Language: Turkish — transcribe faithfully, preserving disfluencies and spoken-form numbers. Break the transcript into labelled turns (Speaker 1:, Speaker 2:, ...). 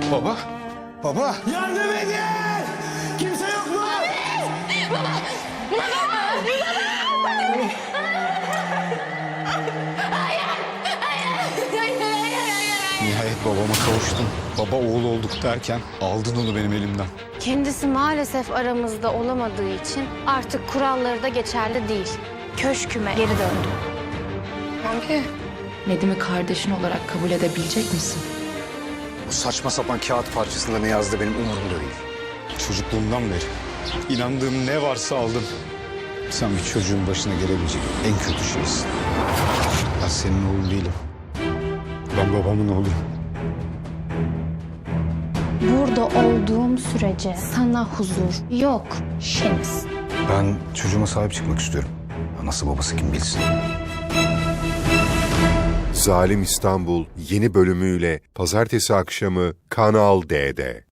Speaker 1: Baba? Baba?
Speaker 2: Yardım edin! Kimse yok mu?
Speaker 3: Baba! Baba! Baba! Hayır! Hayır! Hayır! Hayır! Hayır!
Speaker 1: Nihayet babama kavuştum. Baba oğul olduk derken aldın onu benim elimden.
Speaker 4: Kendisi maalesef aramızda olamadığı için artık kuralları da geçerli değil. Köşküme geri döndüm.
Speaker 5: Abi, Nedim'i kardeşin olarak kabul edebilecek misin?
Speaker 6: Bu saçma sapan kağıt parçasında ne yazdı benim umurumda değil.
Speaker 1: Çocukluğumdan beri inandığım ne varsa aldım.
Speaker 6: Sen bir çocuğun başına gelebilecek en kötü şeysin. Ben senin oğlun değilim.
Speaker 1: Ben babamın oğluyum.
Speaker 4: Burada olduğum sürece sana huzur yok Şeniz.
Speaker 6: Ben çocuğuma sahip çıkmak istiyorum. Anası babası kim bilsin.
Speaker 7: Zalim İstanbul yeni bölümüyle pazartesi akşamı Kanal D'de.